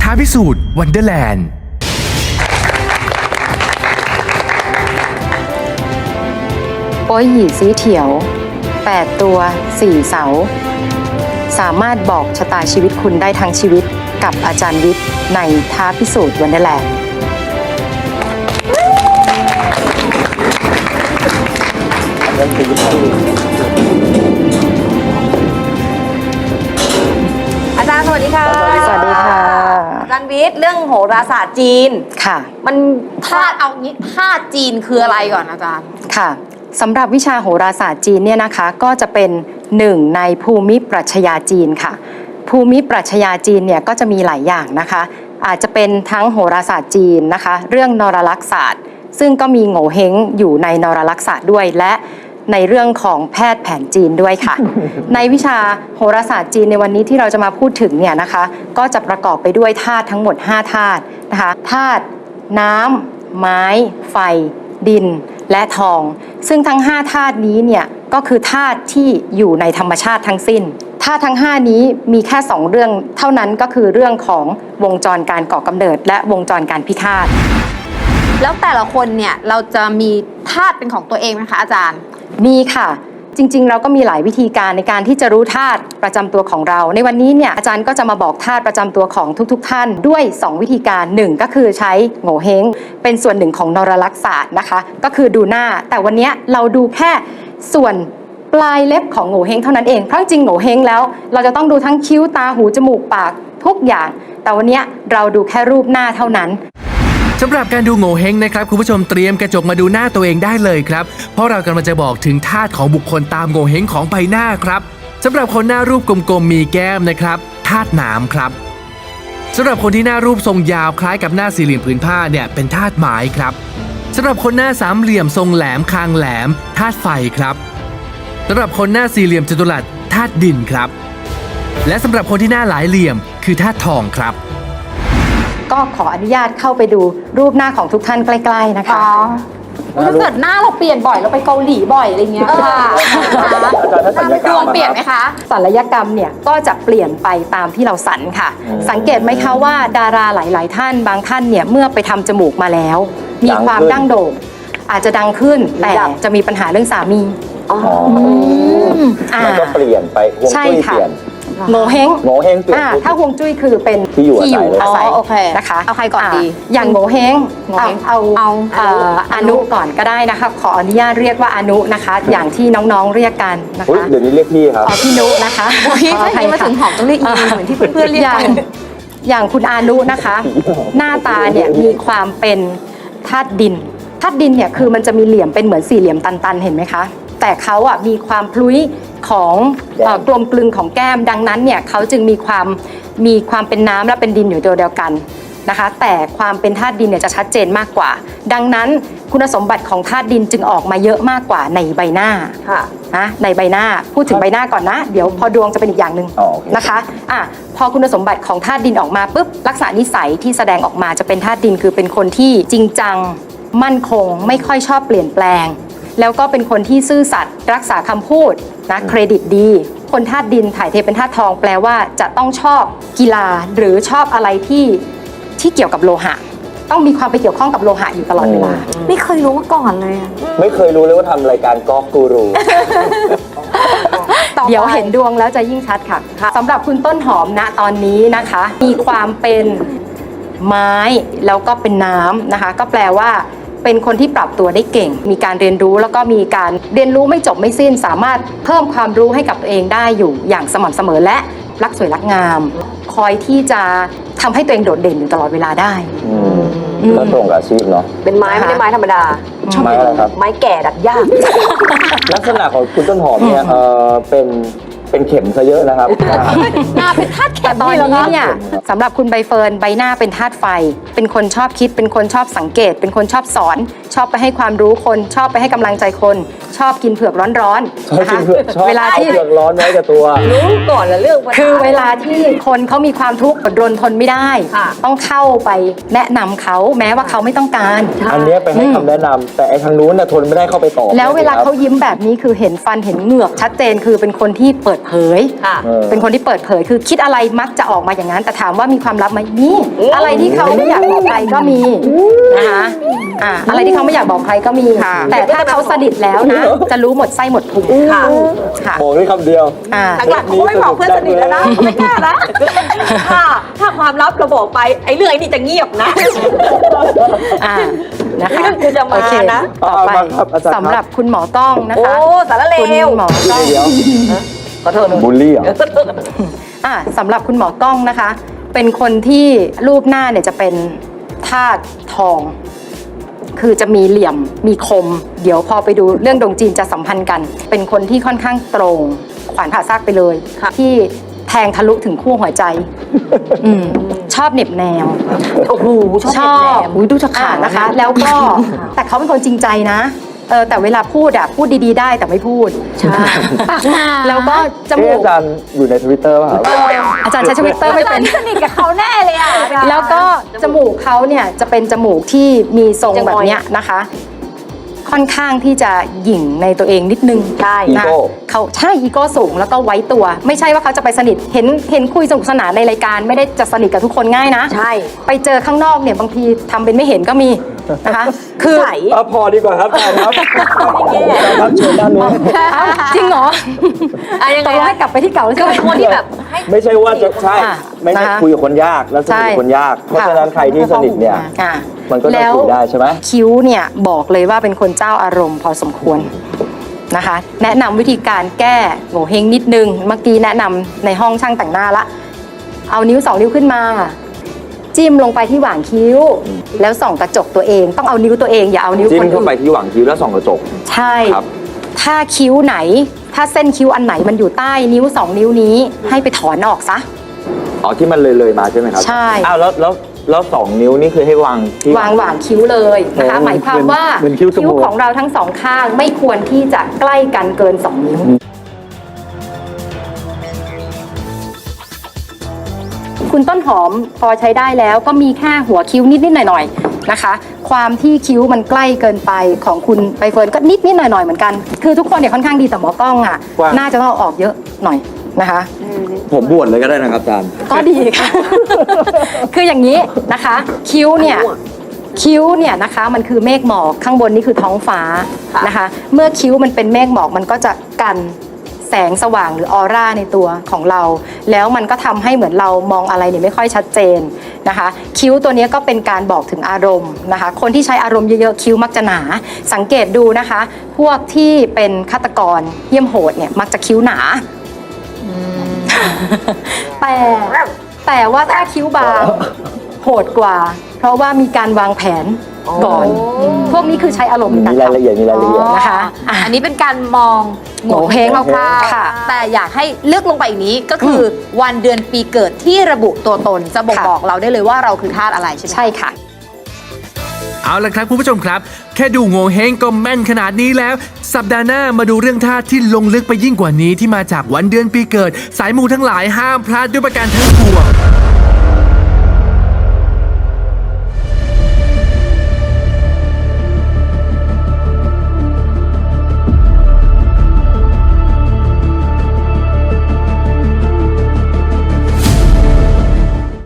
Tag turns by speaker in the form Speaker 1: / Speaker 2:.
Speaker 1: ท้าพิสูจน์วันเดอร์แลนด์
Speaker 2: โป้ยหยี่สีเถียว8ตัว4เสาสามารถบอกชะตาชีวิตคุณได้ทั้งชีวิตกับอาจารย์วิทย์ในท้าพิสูจน์วันเดอร์แลนด์
Speaker 3: อาจารย์สวัสดีค่ะ
Speaker 2: สวัสดีค่ะ
Speaker 3: อาจารย์วิทย์เรื่องโหราศาสตร์จีน
Speaker 2: ค่ะ
Speaker 3: มันธาตุเอางี้ธาตุจีนคืออะไรก่อนอาจารย์
Speaker 2: ค่ะสำหรับวิชาโหราศาสตร์จีนเนี่ยนะคะก็จะเป็นหนึ่งในภูมิปรัชญาจีนค่ะภูมิปรัชญาจีนเนี่ยก็จะมีหลายอย่างนะคะอาจจะเป็นทั้งโหราศาสตร์จีนนะคะเรื่องนรลักษศาสตร์ซึ่งก็มีโง่เฮงอยู่ในนรลักษศาสตร์ด้วยและในเรื่องของแพทย์แผนจีนด้วยค่ะ ในวิชาโหราศาสตร์จีนในวันนี้ที่เราจะมาพูดถึงเนี่ยนะคะก็จะประกอบไปด้วยธาตุทั้งหมด5ธาตุนะคะธาตุน้ำไม้ไฟดินและทองซึ่งทั้ง5ธาตุนี้เนี่ยก็คือธาตุที่อยู่ในธรรมชาติทั้งสิ้นธาตุทั้ง5นี้มีแค่2เรื่องเท่านั้นก็คือเรื่องของวงจรการก่อกำเนิดและวงจรการพิฆาต
Speaker 3: แล้วแต่ละคนเนี่ยเราจะมีธาตุเป็นของตัวเองไหมคะอาจารย์
Speaker 2: มีค่ะจริงๆเราก็มีหลายวิธีการในการที่จะรู้ธาตุประจำตัวของเราในวันนี้เนี่ยอาจารย์ก็จะมาบอกธาตุประจำตัวของทุกๆท่านด้วย2วิธีการ1ก็คือใช้โง่เฮงเป็นส่วนหนึ่งของนรลักษศาสตร์นะคะก็คือดูหน้าแต่วันนี้เราดูแค่ส่วนปลายเล็บของโง่เฮงเท่านั้นเองเพราะจริงโง่เฮงแล้วเราจะต้องดูทั้งคิ้วตาหูจมูกปากทุกอย่างแต่วันนี้เราดูแค่รูปหน้าเท่านั้น
Speaker 1: สำหรับการดูโง่เฮงนะครับคุณผู้ชมเตรียมกระจกมาดูหน้าตัวเองได้เลยครับเพราะเรากำลังจะบอกถึงธาตุของบุคคลตามโง่เฮงของใบหน้าครับสำหรับคนหน้ารูปกลมๆมีแก้มนะครับธาตุน้ำครับสำหรับคนที่หน้ารูปทรงยาวคล้ายกับหน้าสี่เหลี่ยมผืนผ้าเนี่ยเป็นธาตุไม้ครับสำหรับคนหน้าสามเหลี่ยมทรงแหลมคางแหลมธาตุไฟครับสำหรับคนหน้าสี่เหลี่ยมจัตุรัสธาตุดินครับและสำหรับคนที่หน้าหลายเหลี่ยมคือธาตุทองครับ
Speaker 2: ก็ขออนุญาตเข้าไปดูรูปหน้าของทุกท่านใกล้ๆนะคะ
Speaker 3: ถ้าเกิดหน้าเราเปลี่ยนบ่อยเราไปเกาหลีบ่อยอะไรเงี้ยค่ะดวงเปลี่ยนไหมคะ
Speaker 2: ศัลยกรรมเนี่ยก็จะเปลี่ยนไปตามที่เราสันค่ะสังเกตไหมคะว่าดาราหลายๆท่านบางท่านเนี่ยเมื่อไปทำจมูกมาแล้วมีความดั้งโด่งอาจจะดังขึ้นแต่จะมีปัญหาเรื่องสามี
Speaker 4: มันก็เปลี่ยนไปฮวงจุ้ยเปลี่ยน
Speaker 2: โง่เฮง
Speaker 4: เปลี่ยน
Speaker 2: ถ้าฮวงจุ้ยคือเป็น
Speaker 4: ที่อยู่อาศัย
Speaker 3: โอเค
Speaker 2: นะคะ
Speaker 3: เอาใครก่อนดี
Speaker 2: อย่างโง่เฮงเอาอนุก่อนก็ได้นะคะขออนุญาตเรียกว่าอนุนะคะอย่างที่น้องๆเรียกกันนะคะ
Speaker 4: เดี๋ยวนี้เรียกพี่ครับ
Speaker 2: พี่นุนะคะ
Speaker 3: พี่ถ้ามาถึงหอมต้องเรียกอีเหมือนที่เพื่อนๆเรียกกัน
Speaker 2: อย่างคุณอานุนะคะหน้าตาเนี่ยมีความเป็นธาตุดินธาตุดินเนี่ยคือมันจะมีเหลี่ยมเป็นเหมือนสี่เหลี่ยมตันๆเห็นไหมคะแต่เขาอ่ะมีความพลุ้ยของกลมกลึงของแก้มดังนั้นเนี่ยเขาจึงมีความเป็นน้ำและเป็นดินอยู่ตัวเดียวกันนะคะแต่ความเป็นธาตุดินเนี่ยจะชัดเจนมากกว่าดังนั้นคุณสมบัติของธาตุดินจึงออกมาเยอะมากกว่าในใบหน้านะในใบหน้าพูดถึงใบหน้าก่อนนะเดี๋ยวพอดวงจะเป็นอีกอย่างหนึ่งนะคะพอคุณสมบัติของธาตุดินออกมาปุ๊บลักษณะนิสัยที่แสดงออกมาจะเป็นธาตุดินคือเป็นคนที่จริงจังมั่นคงไม่ค่อยชอบเปลี่ยนแปลงแล้วก็เป็นคนที่ซื่อสัตย์รักษาคำพูดนะเครดิตดีคนธาตุดินถ่ายเทเป็นธาตุทองแปลว่าจะต้องชอบกีฬาหรือชอบอะไรที่เกี่ยวกับโลหะต้องมีความไปเกี่ยวข้องกับโลหะอยู่ตลอดเวลา
Speaker 3: ไม่เคยรู้มาก่อนเลย
Speaker 4: ไม่เคยรู้เลยว่าทำรายการกอล์ฟกูรู
Speaker 2: เดี๋ยวเห็นดวงแล้วจะยิ่งชัดค่ะสำหรับคุณต้นหอมณตอนนี้นะคะมีความเป็นไม้แล้วก็เป็นน้ำนะคะก็แปลว่าเป็นคนที่ปรับตัวได้เก่งมีการเรียนรู้แล้วก็มีการเรียนรู้ไม่จบไม่สิ้นสามารถเพิ่มความรู้ให้กับตัวเองได้อยู่อย่างสม่ำเสมอและรักสวยรักงามคอยที่จะทำให้ตัวเองโดดเด่นอยู่ตลอดเวลาได้
Speaker 4: ก็ตรงกับอาชีพเนาะ
Speaker 3: เป็นไม้ไม่ได้ไม้ธรรมดา
Speaker 4: ไม้อะไรครับ
Speaker 3: ไม้แก่ดัดยาก
Speaker 4: ลักษณะของคุณต้นหอมเนี่ยเป็นเข็มซะเยอะนะครับ
Speaker 3: หน้าเป็นธาตุเข็ม
Speaker 2: ตอนนี้เนี่ยสำหรับคุณใบเฟิร์นใบหน้าเป็นธาตุไฟเป็นคนชอบคิดเป็นคนชอบสังเกตเป็นคนชอบสอนชอบไปให้ความรู้คนชอบไปให้กำลังใจคนชอบกินเผือกร้อน
Speaker 4: ๆนะคะเวลาที่เผือกร้อนไว้กับตัว
Speaker 3: รู้ก่อนละเรื่อง
Speaker 2: คือเวลาที่คนเขามีความทุกข์อดรนทนไม่ได้ต้องเข้าไปแนะนำเขาแม้ว่าเขาไม่ต้องการ
Speaker 4: อันนี้ไปให้คำแนะนำแต่ไอ้ทางนู้นน่ะทนไม่ได้เข้าไปต่อ
Speaker 2: แล้วเวลาเขายิ้มแบบนี้คือเห็นฟันเห็นเหงือกชัดเจนคือเป็นคนที่เปิดดเผย
Speaker 3: ค่ะ
Speaker 2: เป็นคนที่เปิดเผยคือคิดอะไรมักจะออกมาอย่างนั้น แต่ถามว่ามีความลับไหมมีอะไรที่เขาไม่อยากบอกใครก็มีนะคะอะไรที่เขาไม่อยากบอกใครก็มี แต่ถ้าเขาสนิทแล้วนะ จะรู้หมดไส้หมดพุง
Speaker 3: ค่ะ
Speaker 2: ค่ะ
Speaker 4: บอกได้คำเดียว
Speaker 3: หลังๆเขาไม่บอกเพื่อนสนิทแล้วนะไม่กล้านะค่ะถ้าความลับเราบอกไปไอ้เรื่องไอ้นี่จะเงียบนะ
Speaker 2: นะคะ
Speaker 3: เรื่องกูจะมา
Speaker 2: โอเค
Speaker 3: นะ
Speaker 2: ต่อไป
Speaker 4: เอามาครับอาจารย์ครับ
Speaker 2: สำหรับคุณหมอกล้องนะคะ
Speaker 3: โอ้สารเล
Speaker 2: คุณ
Speaker 3: ว
Speaker 2: หมอกล้อง
Speaker 4: เดี๋ยว
Speaker 3: ขอโทษหนู
Speaker 4: บูลลี่เหรอ
Speaker 2: สำหรับคุณหมอกล้องนะคะ เป็นคนที่รูปหน้าเนี่ยจะเป็นธาตุทอง คือจะมีเหลี่ยมมีคม เดี๋ยวพอไปดูเรื่องดวงจีนจะสัมพันธ์กัน เป็นคนที่ค่อนข้างตรง ขวานผ่าซากไปเลย ที่แทงทะลุถึงขั้วหัวใจชอบเหน็บแนว
Speaker 3: โอ้โหชอบ
Speaker 2: อุ๊ยดูจะขาดนะคะ แล้วก็แต่เขาเป็นคนจริงใจนะแต่เวลาพูดพูดดีๆได้แต่ไม่พูด
Speaker 3: ใช่ปากหนา
Speaker 2: แล้วก็จมู
Speaker 4: อาก จารย์อยู่ใน Twitter ป่ะครับ
Speaker 2: อาจารย์ใช้ทวิตเตอร์ไม่เป็น
Speaker 3: สนิทกับเขาแน่เลยอ่ะ
Speaker 2: แล้วก็จมูกเขาเนี่ยจะเป็นจมูกที่มีทรงแบบเนี้ยนะคะ ค่อนข้างที่จะหยิ่งในตัวเองนิดนึง
Speaker 3: ใช่
Speaker 2: นะ
Speaker 4: อีโก้
Speaker 2: เขาใช่อีโก้สูงแล้วก็ไว้ตัว ไม่ใช่ว่าเขาจะไปสนิทเห็นคุยสนุกสนานในรายการไม่ได้จะสนิทกับทุกคนง่ายนะ
Speaker 3: ใช่
Speaker 2: ไปเจอข้างนอกเนี่ยบางทีทำเป็นไม่เห็นก็มีนะคะ คือ
Speaker 3: ใส
Speaker 4: พอดีกว่าครับอาจารย์ครับครับเชิญด้านนู้น
Speaker 2: จริงเหรอ
Speaker 3: ยัง
Speaker 2: ต
Speaker 3: ไง
Speaker 2: กลงให้กลับไปที่เก่า
Speaker 3: ก็
Speaker 2: ใช่ไหม
Speaker 3: เป็นคนที่แบบให้
Speaker 4: ไม่ใช่ว่าจะใช่
Speaker 2: อ่ะ
Speaker 4: ไม่ใช่
Speaker 2: นะคะ
Speaker 4: คุยกับคนยากแล้วสนิทกับคนยาก เพราะฉะนั้นใครที่สนิทเนี่ย
Speaker 2: อ่ะ
Speaker 4: มันก็จะ
Speaker 2: แล้ว
Speaker 4: คุยได้ใช่ไหม
Speaker 2: คิ้วเนี่ยบอกเลยว่าเป็นคนเจ้าอารมณ์พอสมควรนะคะ แนะนำวิธีการแก้โง่เฮงนิดนึง เมื่อกี้แนะนำในห้องช่างแต่งหน้าละ เอานิ้ว2 นิ้วขึ้นมา จิ้มลงไปที่หว่างคิ้ว แล้วส่องกระจกตัวเองต้องเอานิ้วตัวเองอย่าเอานิ้ว
Speaker 4: จิ้
Speaker 2: ค
Speaker 4: ม
Speaker 2: น
Speaker 4: เข้า
Speaker 2: อื่
Speaker 4: ไป
Speaker 2: น
Speaker 4: ที่หว่างคิ้วแล้วส่องกระจก
Speaker 2: ใช่
Speaker 4: ครับ
Speaker 2: ถ้าคิ้วไหน ถ้าเส้นคิ้วอันไหนมันอยู่ใต้นิ้ว2 นิ้วนี้ ให้ไปถอนออกซะ
Speaker 4: อ๋อที่มันเลยมาใช่ไหมครับ
Speaker 2: ใช่
Speaker 4: อ้าวแล้ว2 นิ้วนี่คือให้วางที่
Speaker 2: วางหว่างคิ้วเลยนะคะ
Speaker 4: โอ้
Speaker 2: หมายความว่า
Speaker 4: เหมือนคิ้วสมูท
Speaker 2: ของเราทั้งสองข้างไม่ควรที่จะใกล้กันเกิน 2 นิ้ว คุณต้นหอมพอใช้ได้แล้วก็มีแค่หัวคิ้วนิดๆหน่อยๆนะคะ ความที่คิ้วมันใกล้เกินไปของคุณใบเฟิร์นก็นิดๆหน่อยๆเหมือนกัน คือทุกคนเนี่ยค่อนข้างดีแต่หมอกล้องอ่ะ
Speaker 4: ว่า
Speaker 2: น่าจะต้องเอาออกเยอะหน่อยนะคะ
Speaker 4: ผมบวชเลยก็ได้นะครับอาจารย์
Speaker 2: ก็ดีค่ะ คืออย่างนี้นะคะ คิ้วเนี่ยนะคะมันคือเมฆหมอกข้างบนนี่คือท้องฟ้านะคะ เมื่อคิ้วมันเป็นเมฆหมอกมันก็จะกันแสงสว่างหรือออร่าในตัวของเรา แล้วมันก็ทำให้เหมือนเรามองอะไรเนี่ยไม่ค่อยชัดเจนนะคะ คิ้วตัวนี้ก็เป็นการบอกถึงอารมณ์นะคะ คนที่ใช้อารมณ์เยอะๆคิ้วมักจะหนา สังเกตดูนะคะ พวกที่เป็นฆาตกรเยี่ยมโหดเนี่ยมักจะคิ้วหนา แต่ว่าถ้าคิ้วบางโหดกว่า เพราะว่ามีการวางแผนก่อน พวกนี้คือใช้อารมณ์ใน
Speaker 4: มี
Speaker 2: การ
Speaker 4: รายละเอียดมีรายละเอียด
Speaker 2: นะคะ
Speaker 3: อันนี้เป็นการมอง
Speaker 2: โง่เฮง
Speaker 3: คร่าว
Speaker 2: ค่ะ
Speaker 3: ๆแต่อยากให้เลือกลงไปอีกนี้ก็คือวันเดือนปีเกิดที่ระบุตัวตนจะบ่ง
Speaker 2: ค่ะ
Speaker 3: บอกเราได้เลยว่าเราคือธาตุอะไรใช่ไหม
Speaker 2: ใช่ค่ะ
Speaker 1: เอาละครับคุณผู้ชมครับ แค่ดูโง่เฮงก็แม่นขนาดนี้แล้ว สัปดาห์หน้ามาดูเรื่องธาตุที่ลงลึกไปยิ่งกว่านี้ที่มาจากวันเดือนปีเกิด สายมูทั้งหลายห้ามพลาดด้วยประการทั้งปวง